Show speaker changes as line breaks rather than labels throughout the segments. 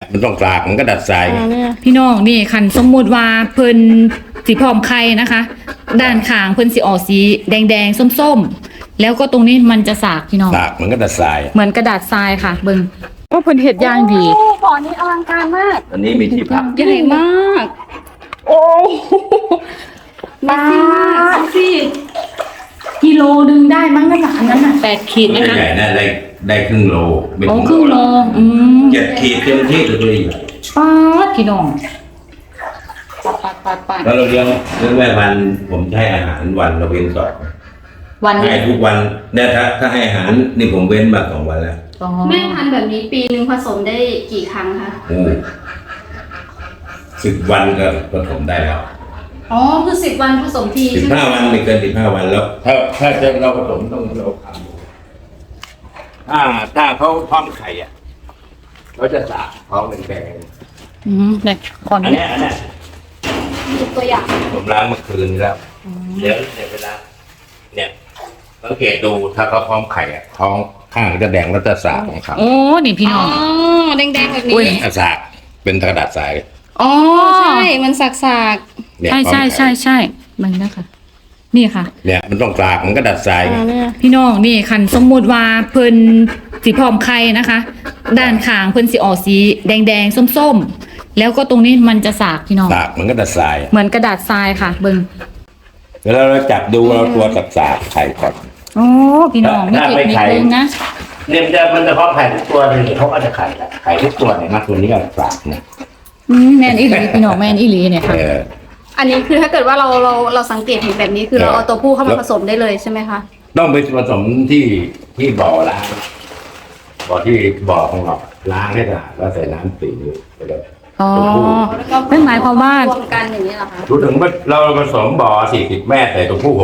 มันต้องกลากมันก็ดัดทราย
พี่น้องนี่คันสมมุติว่าเพิ่นสีพร้อมไข่นะคะ ด้านข้างเพิ่นสีออกสีแดงๆส้มๆแล้วก็ตรงนี้มันจะสากพี่น้อง
สากมันก็ดัดทราย
เหมือนกระดาษทรายค่ะเบิ่งโอ้เพิ่นเฮ็ดอย่างดี
บ่อนี้อลังการมาก
อันนี้มีที่พัก
ใหญ่มากโอ้มากสิกิโลนึงได้มั้งนะคะอันนั้นน่ะ8 ขีดนะคะ
ใหญ่ได้ครึ่งโล
โอ้ครึ่งโล
7 ขีดเต็มที่เลย
ป๊าดพี่น้องปัด
แล้วเราเลี้ยงแม่พันธุ์ผมให้อาหารวันเราเว้นก่อน
วัน
ให้ทุกวันเนี่ยถ้าให้อาหารนี่ผมเว้นมา2 วันแล้ว
แม่พันธุ์แบบนี้ปีนึงผสมได้กี่ครั้งคะ
โอ้10 วันก็ผสมได้แล้ว
อ๋อคือ10 วันผสมที
15 วันไม่เกิน15 วันแล้วถ้าจะเราผสมต้องเราทำถ้าเขาพร้อมไข่อ่ะเขาจะสากท้องแดง
เนี่ยก่อน
อันนี้
ตัวอย่าง
ผมล้างเมื่อคืนแล้วเดี๋ยวเวลาเนี่ยสังเกตดูถ้าเขาพร้อมไข่อ่ะท้องข้างจะแดงแล้วจะสากของเขา
โอ้นี่พี่น้อง
แดงแบบนี้
สากเป็นกระดาษทราย
อ๋อ
ใช่มันสาก
ใช่มันนะคะนี่ค่ะ
เนี่ยมันต้องกลากมันก็ดัดทราย
พี่น้องนี่คันสมมุติว่าเพิ่นสีพร้อมไข่นะคะ ด้านข้างเพิ่นสีออกสีแดงส้มๆแล้วก็ตรงนี้มันจะสากพี่น้อง
สากมันก็ดัดทราย
เหมือนกระดาษทรายค่ะเบิ่ง
เวลาเราจับดูเราตัวสากไข่ก่อน
โอ้พี่น้องนี่เก็บนิดนึงนะ
เนี่ยมันจะเพาะไข่ทุกตัวเลยเขาก็จะไข่ทุกตัวเนี่ยนะตัวนี้ก็สากเนี่ย
แม่นอีหลีพี่น้องแม่นอีหลีเนี่ยค่ะ
อันนี้คือถ้าเกิดว่าเราสังเกตเห็นแบบนี้คือเราเอาตัวผู้เข้ามาผสมได้เลยใช่ไหมคะ
ต้องไปผสมที่บ่อล้างที่บ่อของเราล้างให้สะอาดแล้วใส่น้ำตีไปเลย
อ๋อนั่นหมายความว่าร
วมกันอย่างนี้เหรอคะ
รู้ถึงว่าเราผสมบ่อ40 แม่ใส่ตัวผู้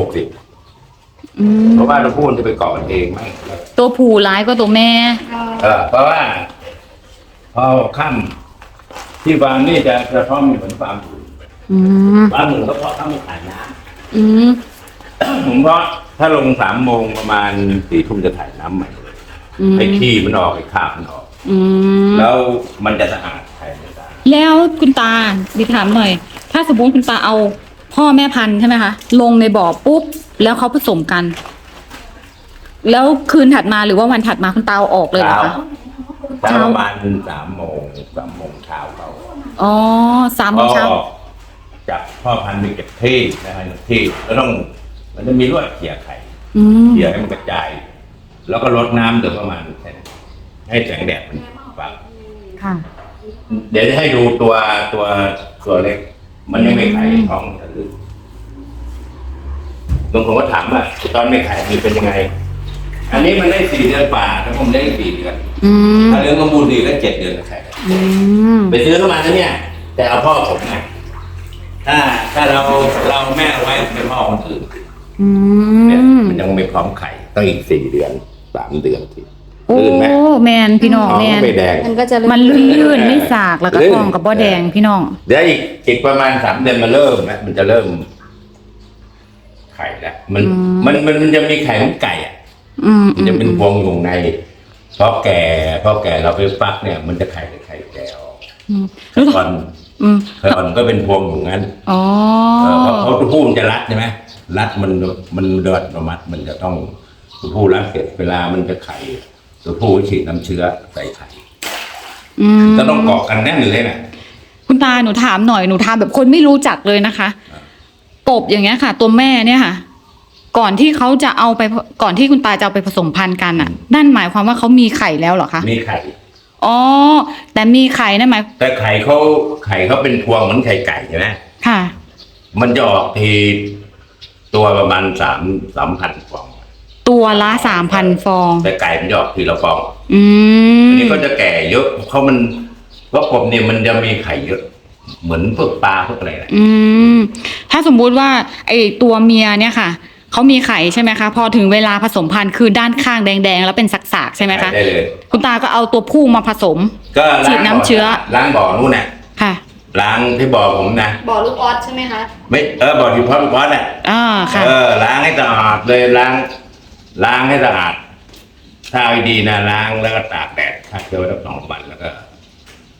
60เพราะว่าตัวผู้มันจะไปเกาะกันเองไม่
ตัวผู้ร้ายก็ตัวแม่
เพราะว่าพอค่ำที่ฟาร์มนี่จะพร้อมอยู่เหมือนฟาร์มอื่นฟาร์มอื่นก็เพาะถ้ามันขายน้ำผมเพราะถ้าลง3 โมงประมาณ4 ทุ่มจะถ่ายน้ำใหม่ไอ้ขี้มันออกไอ้คราบมันออกแล้วมันจะสะอาดใครไม่สะอาด
แล้วคุณตาดิถามหน่อยถ้าสมมติคุณตาเอาพ่อแม่พันธุ์ใช่ไหมคะลงในบ่อปุ๊บแล้วเขาผสมกันแล้วคืนถัดมาหรือว่าวันถัดมาคุณตาเอาออกเลยเหรอคะ
ประมาณ3 โมงเช้าเขา
อ๋อ3 โมงเช้า
จากพ่อพันธุ์มีเก็บที่นะครับที่แล้วมันจะมีลวดเขี่ยไข่เขี่ยให้มันกระจายแล้วก็ลดน้ำเดี๋ยวประมาณให้แสงแดดมันฝัง
ค่ะ
เดี๋ยวจะให้ดูตัวเล็กมันยังไม่ไข่ท้องอื่นบางคนก็ถามว่าตอนไม่ไข่มันเป็นยังไงอันนี้มันได้4 เดือนป่าถ้าผมได้4 เดือนถ้าเลี้ยงสมบูรณ์ดีก็7 เดือนไข่ไปซื้อเข้ามาแล้วเนี่ยแต่เอาพ่อผมไงถ้าเราแม่เอาไว้เป็นพ่อคนอื่นเนี่ยมันยังไม่พร้อมไข่ต้องอีก4 เดือน3 เดือนที
โอ้แมนพี่น้องแมนมันลื่นไม่สากแล้วก็ทองกับบ่อแดงพี่น้อง
เดี๋ยวอีกประมาณ3 เดือนมันจะเริ่มไข่แล้วมันจะมีไข่ของไก่อ่ะมันจะเป็นพวงอยู่ในพอแก่เราไปฟักเนี่ยมันจะไข่แก่ออกก่อนก็เป็นพวงอยู่งั้นเพราะตัวผู้มันจะรัดใช่ไหมรัดมันเดือดประมัดมันจะต้องตัวผู้รัดเสร็จเวลามันจะไข่ตัวผู้ฉีดน้ำเชื้อใส่ไข่จะต้องเกาะกันแน่นเลยนะ
คุณตาหนูถามหน่อยหนูถามแบบคนไม่รู้จักเลยนะคะกบอย่างเงี้ยค่ะตัวแม่เนี่ยค่ะก่อนที่เขาจะเอาไปก่อนที่คุณตาจะเอาไปผสมพันธุ์กันอ่ะนั่นหมายความว่าเขามีไข่แล้วเหรอคะ
มีไข่
อ๋อแต่มีไข่นั่นหมาย
แต่ไข่เขาเป็นพวงเหมือนไข่ไก่ใช่ไหม
ค่ะ
มันจะออกทีตัวประมาณ3,000 ฟอง
ตัวละ3,000 ฟอง
แต่ไก่มันจะออกทีละฟองอันนี้ก็จะแก่เยอะเพราะกบเนี่ยมันจะมีไข่เยอะเหมือนพวกปลาพวกอะไร
ถ้าสมมุติว่าไอตัวเมียเนี่ยค่ะเขามีไข่ใช่ไหมคะพอถึงเวลาผสมพันธุ์คือด้านข้างแดงๆแล้วเป็นสักๆใช่ไหมคะ
ได้เลย
คุณตาก็เอาตัวผู้มาผสม
ก็
ฉีดน้ำเชื้อ
ล้างบ่อนู่นน่ะ
ค่ะ
ล้างที่บ่อผมนะ
บ่อลูกออสใช่ไหมคะ
ไม่บ่อที่พ่อลูกออสน่ะ
ค่ะ
ล้างให้สะอาดเลยล้างให้สะอาดถ้าดีนะล้างแล้วก็ตากแดดฆ่าเชื้อไว้สัก2 วันแล้วก็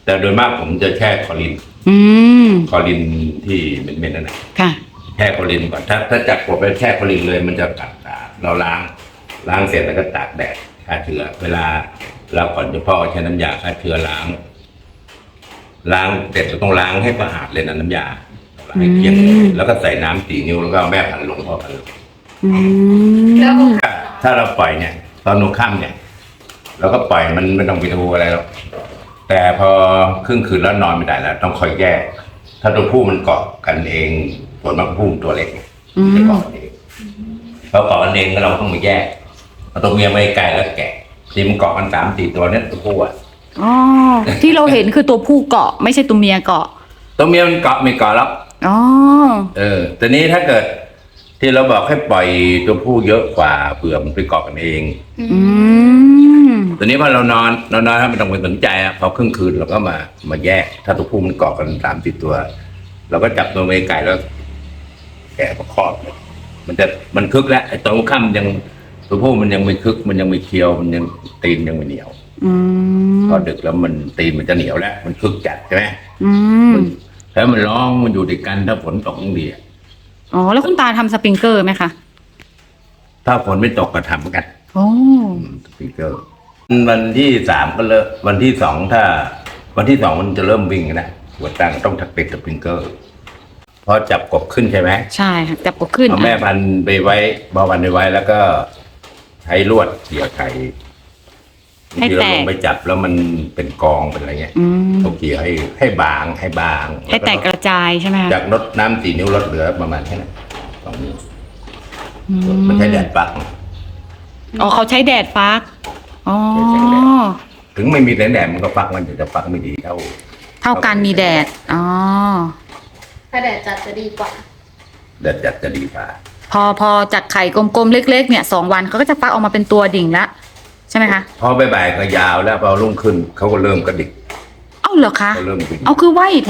แต่โดยมากผมจะแช่คอลิน
อืม
คอลินที่เหม็นๆนั่นแหละ
ค่ะ
แช่คอลินก่อนถ้าจับกบไปแช่คอลินเลยมันจะกัดตาเราล้างเสร็จแล้วก็ตากแดดฆ่าเชื้อเวลาเราก่อนจะพ่อใช้น้ำยาฆ่าเชื้อล้างเสร็จเราต้องล้างให้สะอาดเลยนะน้ำยาล้างให้เกลี้ยงเลยแล้วก็ใส่น้ำ4 นิ้วแล้วก็เอาแม่พันธุ์ลงพ่อพันธุ์ลง
อืม
แล้ว
ถ้าเราปล่อยเนี่ย ตอนหัวค่ำเนี่ยเราก็ปล่อยมันไม่ต้องไปดูอะไรหรอกแต่พอครึ่งคืนแล้วนอนไม่ได้แล้ว ต้องคอยแยก ถ้าตัวผู้มันเกาะกันเองส่วนมากผู้มันตัวเล็กมันจะเกาะกันเองพอเกาะกันเองก็เราต้องมาแยกเอาตัวเมียไม่ไกลแล้วแกะที่มันเกาะกัน3-4 ตัวเนี่ยตัวผู้อ่ะ
อ๋อที่เราเห็นคือตัวผู้เกาะไม่ใช่ตัวเมียเกาะ
ตัวเมียมันเกาะไม่เกาะแล้ว
อ๋อ
แต่นี้ถ้าเกิด ที่เราบอกให้ปล่อยตัวผู้เยอะกว่าเผื่อมันไปเกาะกันเอง
อืม
ตอนนี้พอเรานอนถ้าไม่ต้องไปสนใจอ่ะพอครึ่งคืนเราก็มาแยก ถ้าตัวผู้มันเกาะกัน3-4 ตัว เราก็จับตัวเมียไก่แล้ว แกะประคอบเลยมันคึกแล้วไอ้ตัวค่ำยังตัวผู้มันยังไม่คึกมันยังไม่เคี้ยวมันยังตีนยังไม่เหนียว
อืม
พอดึกแล้วมันตีนมันจะเหนียวแล้วมันคึกจัดใช่ไหม
อืม
แล้วมันร้องมันอยู่ด้วยกันถ้าฝนตกต้องดีอะ
อ๋อแล้วคุณตาทำสปริงเกอร์ไหมคะ
ถ้าฝนไม่ตกก็ทำเหมือนกัน
โอ้
สปริงเกอร์วันที่3ก็เลิกวันที่2ถ้า วันที่2มันจะเริ่มวิ่งนะหัวตั้งต้องถักติดสปริงเกอร์พอจับกบขึ้นใช่ไหม
ใช่ค่ะจับกบขึ้น
เอาแม่พันธุ์ไปไว้บอพันธุ์ไปไว้แล้วก็ใช้ลวดเกี่ยวไข่ที่เราลงไปจับแล้วมันเป็นกองเป็นอะไรเงี้ย
อืม
ต้องเกี่ยวให้บาง
ให้แตกกระจายใช่ไหมคะ
จากลดน้ำ4 นิ้วลดเหลือประมาณแค่นั้น2 นิ้ว
อื
มันใช้แดดปัก
อ๋อเขาใช้แดดฟักอ๋อ
ใช้แดด ถึงไม่มีแสงแดดมันก็ปักมันจะปักไม่ดีเท่า
กันมีแดดอ๋อ
ถ้าแดดจัดจะดีกว่า
แดดจัดจะดีกว่า
พอจากไข่กลมๆเล็กๆเนี่ย2 วันเขาก็จะฟักออกมาเป็นตัวดิ่งละใช่ไหมคะ
พอบ่ายๆก็ยาวแล้วพอรุ่งขึ้นเขาก็เริ่มกระดิก
เอ้าเหรอคะ
เขาเริ่มบิน
เอาคือไหวแท้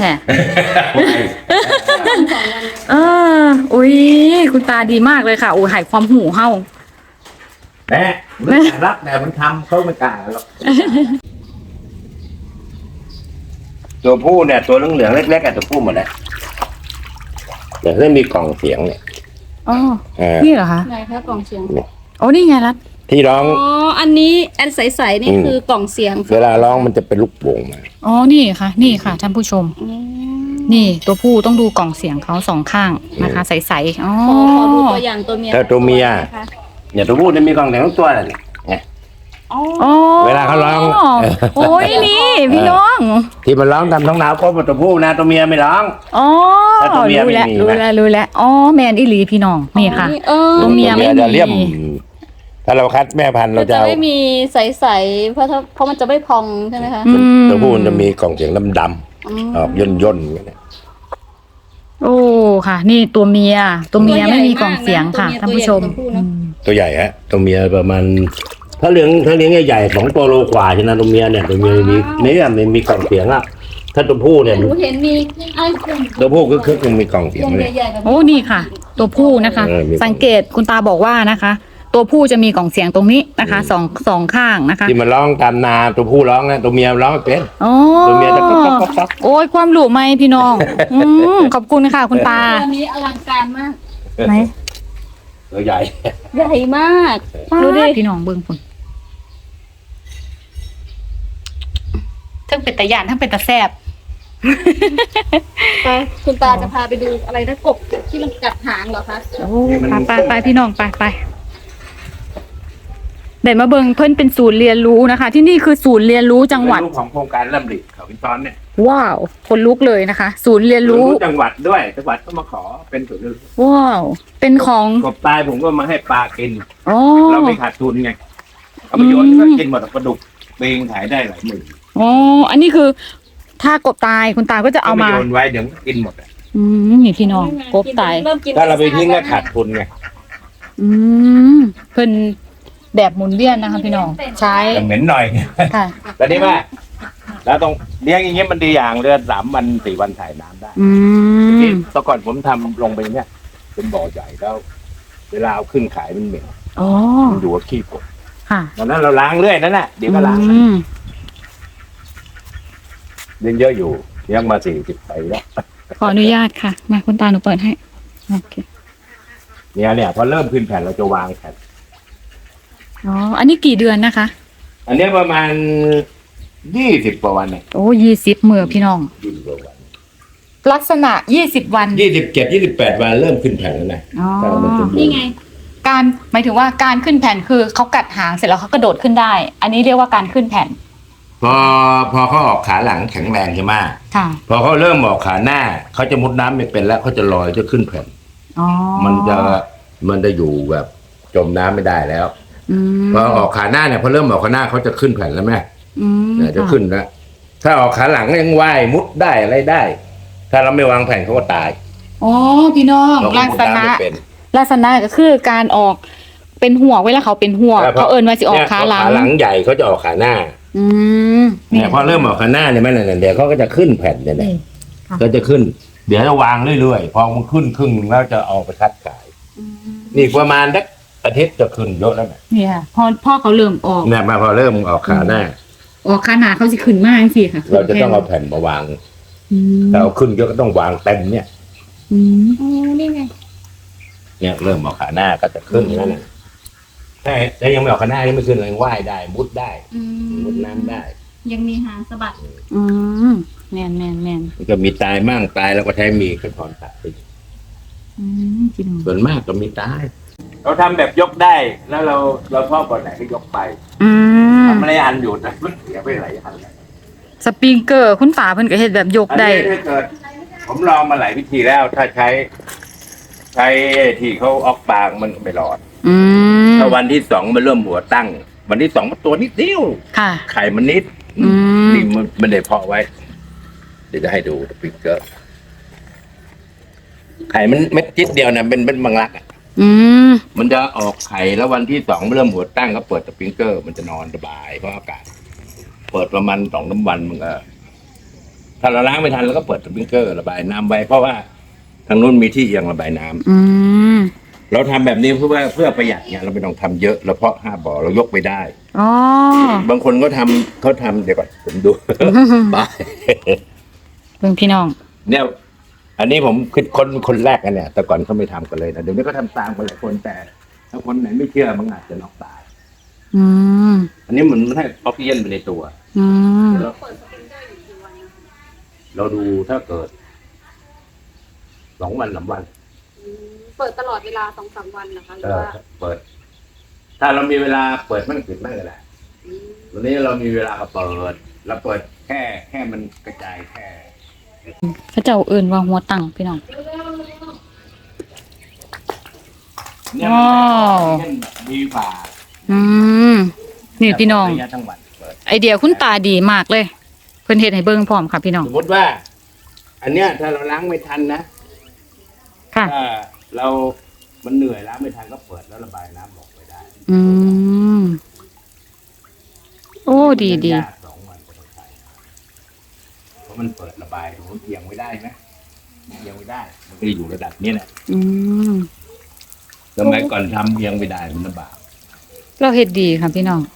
เออ อุ้ยคุณตาดีมากเลยค่ะ โอ้ยหายความหูเฮา
แม่ไม่กล้ารับแต่มันทำเขาไม่กล้าหรอกตัวผู้เนี่ยตัวเหลืองๆเล็กๆอะตัวผู้หมดเลยเดี๋ยวได้มีกล่องเสียงเนี่ย
อ๋อ
เออ
นี่เหรอคะ
ไหนคะกล่องเสียง
โอ้นี่ไงรัด
ที่ร้อง
อ๋อ อันนี้อันใสๆนี่คือกล่องเสียง
เวลาร้องมันจะเป็นลูกโป่งมา
อ๋อ นี่ค่ะ นี่ค่ะท่านผู้ชม
อืม
นี่ตัวผู้ต้องดูกล่องเสียงเขา2 ข้างนะคะ ใสๆอ๋อ
ขอดูตัวอย่างตัวเมีย
ถ้าตัวเมีย
นะคะ
เนี่ยตัวผู้จะมีกล่องเสียงทั้งตัวเลยเนี่ย
อ๋อ
อ๋อ
เวลาเขาร้อง
โอ้ยนี่พี่น้อง
ที่มันร้องตามท้องหนาวก็เป็นตัวผู้นะตัวเมียไม่ร้อง
อ๋อ
ถ้าตัวเมีย
รู้แล้ว
ไม่มี
รู้
นะ
แล้วรู้แล้วอ๋อแมนอิลีพี่น้องนี่ค่ะ
เออ
ตัวเมียไม่มี
จะเลี่ยม ถ้าเราคัดแม่พันธุ์
มั
เรา
น
จะ
จะ
เอา
ไม่มีใสๆเพราะมันจะไม่พองใช่ไหมคะ
อืม
ตัวผู้มันจะมีกล่องเสียงดำ
อืม
ๆออกย่นๆอย่างเงี้ย
โอ้ค่ะ นี่ตัวเมียไม่มีกล่องเสียงค่ะท่านผู้ชม
ตัวใหญ่ฮะตัวเมียประมาณถ้าเลี้ยงใหญ่ๆ2 ตัวโลกว่าใช่ไหมตัวเมียเนี่ยตัวเมียมีกล่องเสียงอ่ะถ้าตัวผู้เนี่ย
หนูเห็นมีไอ้กลุ่ม
ตัวผู้คึกๆยังมีกล่องเสียง
วง
เลย
ใหญ่ๆแบบ
โอ้นี่ค่ะ ตัวผู้นะคะ
มี
สังเกตคุณตาบอกว่านะคะ ตัวผู้จะมีกล่องเสียงตรงนี้นะคะสองข้างนะคะ
ที่มันร้องตามนาตัวผู้ร้องนะตัวเมียร้องไม่เป็น
อ๋อ
ตัวเมียจะก๊อกๆ
โอ้ยความหลูไหมพี่น้องขอบคุณค่ะคุณตา
ตัวนี้อลังการมาก
ไหน
ตัวใหญ่
ใหญ่มาก
ดูดิพี่น้องเบิ้งคุณทั้งเป็นตะยานทั้งเป็นตะแซบ
ไปคุณตาจะพาไปดูอะไรนะกบที่มันกัดหางเหรอคะ
โอ้ไปพี่น้องไปเดี๋ยวมาเบิงเพิ่นเป็นศูนย์เรียนรู้นะคะ ที่นี่คือศูนย์เรียนรู้จังหวัด
เป็นรูปของโครงการลำดิเขาพินตอนเนี่ย
ว้าวคนลุกเลยนะคะ ศูนย์เรียนรู้
จังหวัดด้วยจังหวัดก็มาขอเป็นศูนย์เรียนรู้
ว้าวเป็นของ
กบตายผมก็มาให้ปลากิน
อ๋อ
เราไม่ขาดทุนไงเอาไปโยนก็กินหมดปลาดุกเบงขายได้หลายหมื่น
อ๋ออันนี้คือ ถ้ากบตายคุณตาก็จะเอามา
โยนไว้เดี๋ยวมันก็กินหมดอะ
นี่พี่น้องกบตาย
เริ่มกิน
ถ้าเราไปทิ้งก็ขาดทุนไง
เพิ่นแบบหมุนเวียนนะคะพี่น้องใช้
แต่เหม็นหน่อย
ค่ะ
แต่นี่ว่าแล้วตรงเลี้ยงอย่างเงี้ยมันดีอย่างเดือน3 วัน 4 วันถ่ายน้ำได้ ที่แต่ก่อนผมทำลงไปเนี่ยเป็นบ่อใหญ่แล้ว เวลาเอาขึ้นขายมันเหม็น
อ๋อ
มันดูว่าขี้กบ
ค่ะ
ดังนั้นเราล้างเรื่อยนั่นแหละเดี๋ยวก็ล้าง
อืม
ยังเยอะอยู่ยังมา40 ปีแล้ว
ขออนุญาตค่ะ มาคุณตาหนูเปิดให้โอเค
เนี่ยพอเริ่มขึ้นแผ่นเราจะวางแผ่น
อ๋ออันนี้กี่เดือนนะคะ
อันเนี้ยประมาณ20 กว่าวันเนี่ย
โอ้20มือพี่น้อง
20 กว่าวัน
ลักษณะ20วัน
27 28 วันเริ่มขึ้นแผ่นแล้วนะ
อ๋อ
ถ้ามันสมบูรณ์
นี่ไง
การหมายถึงว่าการขึ้นแผ่นคือเขากัดหางเสร็จแล้วเขากระโดดขึ้นได้ อันนี้เรียกว่าการขึ้นแผ่น
พอเขาออกขาหลังแข็งแรงใช่ไหม
ค่ะ
พอเขาเริ่มออกขาหน้าเขาจะมุดน้ำไม่เป็นแล้วเขาจะลอยจะขึ้นแผ่น
อ๋อ
มันจะอยู่แบบจมน้ำไม่ได้แล้ว
อืม
พอออกขาหน้าเนี่ยพอเริ่มออกขาหน้าเขาจะขึ้นแผ่นแล้วแม่
อืม
เนี่ยจะขึ้นแล้วถ้าออกขาหลังยังว่ายมุดได้อะไรได้ ถ้าเราไม่วางแผ่นเขาก็ตาย
อ๋อพี่น้อง
เราก็
ลัก
มุด
ษ
น้ำ
ณะ
ไม่เป็น
ลักษณะก็คือการออกเป็นหัวเวลาเขาเป็นหัวเขาเอิ้นว่าสิออกขาหลัง
ขาหลังใหญ่เขาจะออกขาหน้า
อืม
เนี่ยพอเริ่มออกขาหน้าเนี่ยแม่เนี่ยเดี๋ยวเขาก็จะขึ้นแผ่นเนี่ยนะ
นี่ค่ะ
ก็จะขึ้น เดี๋ยวจะวางเรื่อยๆพอมันขึ้นครึ่งหนึ่งแล้วจะเอาไปคัดขาย
อืม
นี่ประมาณสักอาทิตย์จะขึ้นเยอะแล้วนะ
เนี่ยพ่อเขาเริ่มออก
เนี่ยมาพอเริ่มออกขาหน้า
ออกขาหนาเขาสิขึ้นมากสิค่ะ
เราจะต้องเอาแผ่นมาวาง
อืม
ถ้าเอาขึ้นเยอะก็ต้องวางเต็มเนี่ย
อืม
อ๋อ นี่ไง
เนี่ยเริ่มออกขาหน้าก็จะขึ้นแล้วนะแต่ยังไม่ออกขาหน้ายังไม่ขึ้นเลยว่ายได้มุดได้
อืม
มุดน้ำได้
ยังมีหางสะบัด
อืมแม่นแม่นแม่น
มันก็มีตายมั่งตายแล้วก็ใช้มีกระถอนตัดไป
อืมพี่น้อง
ส่วนมากก็มีตาย เราทำแบบยกได้ แล้วเราชอบก่อนไหนก็ยกไป
อืม
ทำอะไรอันอยู่แต่มันเสียไปหลายอันเลย
สปริงเกอร์คุณฝาเพิ่นก็เฮ็ดแบบยก
อัน
ได้
นี้ถ้าเกิด ผมลองมาหลายวิธีแล้ว ถ้าใช้ที่เขาออกบางมันก็ไม่รอด
อืม
ถ้าวันที่ 2มันเริ่มหัวตั้ง วันที่ 2มันตัวนิดเดียว
ค่ะ
ไข่มันนิด
อืม
นี่มันได้เพาะไว้ เดี๋ยวจะให้ดูสปริงเกอร์ไข่มันเม็ดจิดเดียวนะเป็นบางรักอะ
อืม
มันจะออกไข่แล้ววันที่ 2เริ่มหัวตั้งก็เปิดสปริงเกอร์มันจะนอนสบายเพราะอากาศ เปิดประมาณ2-3 วันมันก็ถ้าเราล้างไม่ทันเราก็เปิดสปริงเกอร์ระบายน้ำไว้เพราะว่าทางนู้นมีที่เอียงระบายน้ำ
อืม
เราทำแบบนี้เพื่อประหยัดเนี่ยเราไม่ต้องทำเยอะเราเพาะ5 บ่อเรายกไปได้
อ๋อบ
างคนก็ทำเดี๋ยวก่อนผมดู บาย
เพิ่งพี่น้อง
เนี่ย อันนี้ผมคิดคนแรกกันเนี่ย แต่ก่อนเขาไม่ทำกันเลยนะเดี๋ยวนี้ก็ทำตามกันหลายคนแต่ถ้าคนไหนไม่เชื่อมันอาจจะน็อกตาย
อืม
อันนี้มันให้ออกซิเจนไปในตัว
อืม
เราเปิดสปริงเกอร์อยู่กี่วันนะ
เราดูถ้าเกิด2 วัน3 วัน
เปิดตลอดเวลา2-3 วันนะคะหรือว่า
เปิด ถ้าเรามีเวลาเปิดมันปิดไม่ก็ได้วันนี้เรามีเวลาก็เปิดเราเปิดแค่มันกระจายแค่
พระเจ้าเอิ้นว่าหัวตั้งพี่น้อง
เนี่ย
ว้าว
มันดีกว่า
อืมนี่พี่น้อง
ระยะทั้งวันเปิด
ไอเดียคุณตาดีมากเลย เพิ่นเฮ็ดให้เบิ่งพร้อมค่ะพี่น้อง
สมมติว่า อันเนี้ยถ้าเราล้างไม่ทันนะ
ค่ะ
ถ้ามันเหนื่อยล้างไม่ทันก็เปิดแล้วระบายน้ำออกไปได้
อืม โอ้ดีดี
ยาก2 วันก็ต้องใช้เพราะมันเปิดระบายมันเอียงไม่ได้นะเอียงไม่ได้ มันก็อยู่ระดับนี้แหละ
อืม
สมัยก่อนทำเอียงไม่ได้มันลำบาก
เราเฮ็ดดีค่ะพี่น้อง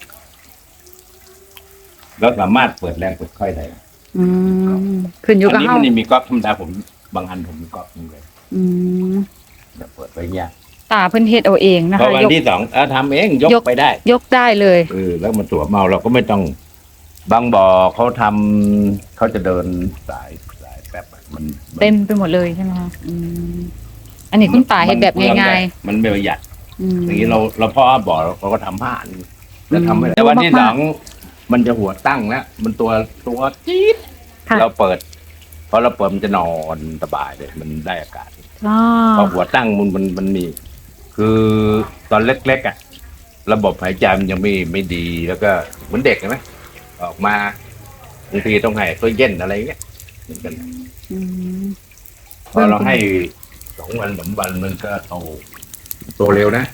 เราสามารถเปิดแรงเปิดค่อยได้
อืมขึ้นอยู่
อัน
กับ
นี้
เฮา
มันมีก๊อกธรรมดาผมบางอันผมมีก๊อกนึงเลย
อืม
จะเปิดไปยาก
ตาเพิ่นเฮ็ดเอาเองนะ
พอ
คะ
วัน
ยก
ที่ 2ทำเองยกไปได้
ยกได้เลย
แล้วมันตัวเมาเราก็ไม่ต้อง บางบ่อเขาทำเขาจะเดินสายแป๊บอะมัน
เต็มไปหมดเลยใช่ไหมคะอืมอันนี้คุณตาเฮ็ดแบบง่าย
มันไม่ประหยัด
ๆอืม
อย่างนี้เราเพาะบ่อเราก็ทำผ้าอันแล้วทำไม่ได้
อืม
แต่วันที่
มาก
2มันจะหัวตั้งแล้วมันตัวจี๊ด
ค่ะ
เราเปิดพอเราเปิดมันจะนอนสบายเลย มันได้อากาศ
อ๋อ
พอหัวตั้งมันมี คือตอนเล็กๆอ่ะ ระบบหายใจมันยังไม่ดีแล้วก็เหมือนเด็กใช่ไหมออกมาบางทีต้องให้ตัวเย็นอะไรเงี้ยเหมือนกัน
อืม
พอเราให้2 วัน3 วันมันก็โตเร็วนะ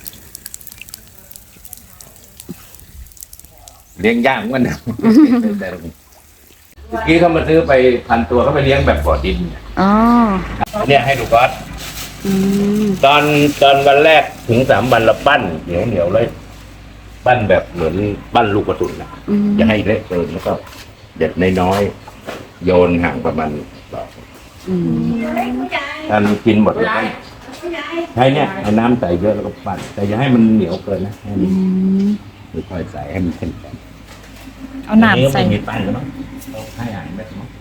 เลี้ยงยากเหมือนกันนะ แต่เมื่อกี้เขามาซื้อไป1,000 ตัวเขาไปเลี้ยงแบบบ่อดินเนี่ย
อ๋อ
เนี่ยให้ดูก๊อต
อืม
ตอนวันแรกถึง3 วันเราปั้นเหนียวเลย ปั้นแบบเหมือนปั้นลูกกระสุนนะ
อืม
อย่าให้เละเกินแล้วก็เด็ดน้อยโยนห่างประมาณถ้ามันกินหมดแล้วก็ใช้เนี่ยเอาน้ำใส่เยอะแล้วก็ปั่นแต่อย่าให้มันเหนียวเกินนะให้มันค่อยๆใส่ให้มันเข้มแข็ง
เอาน้ำใส่
ไม่มีปั้นแล้วมั้งเอาให้อ่านได้มั้ง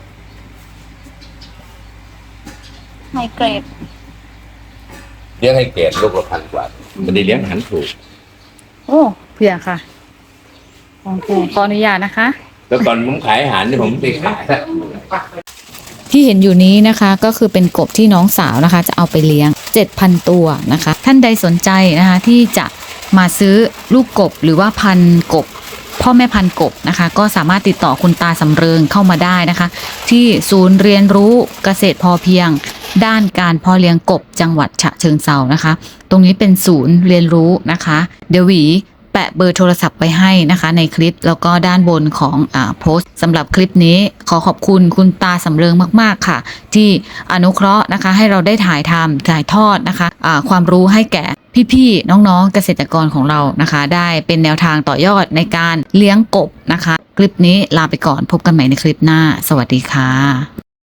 ไฮเกรด
เลี้ยงให้เกรดลูกละ1,000 กว่าไม่ได้เลี้ยงอาหารถูก
โอ้เผื่อค่ะโอเคขออนุญาตนะคะ
แล้วก่อนผมขายอาหารเนี่ยผมไปขายแล้ว
ที่เห็นอยู่นี้นะคะก็คือเป็นกบที่น้องสาวนะคะ จะเอาไปเลี้ยง 7,000 ตัวนะคะ ท่านใดสนใจนะคะที่จะมาซื้อลูกกบหรือว่าพันธุ์กบ พ่อแม่พันธุ์กบนะคะ ก็สามารถติดต่อคุณตาสำเริงเข้ามาได้นะคะ ที่ศูนย์เรียนรู้เกษตรพอเพียง ด้านการเพาะเลี้ยงกบจังหวัดฉะเชิงเทรานะคะ ตรงนี้เป็นศูนย์เรียนรู้นะคะเดี๋ยวหวีแปะเบอร์โทรศัพท์ไปให้นะคะในคลิปแล้วก็ด้านบนของโพสต์สำหรับคลิปนี้ขอขอบคุณคุณตาสำเริงมากๆค่ะ ที่อนุเคราะห์นะคะให้เราได้ถ่ายทอดนะคะความรู้ให้แก่พี่ๆน้องๆเกษตรกรของเรานะคะ ได้เป็นแนวทางต่อยอดในการเลี้ยงกบนะคะ คลิปนี้ลาไปก่อนพบกันใหม่ในคลิปหน้าสวัสดีค่ะ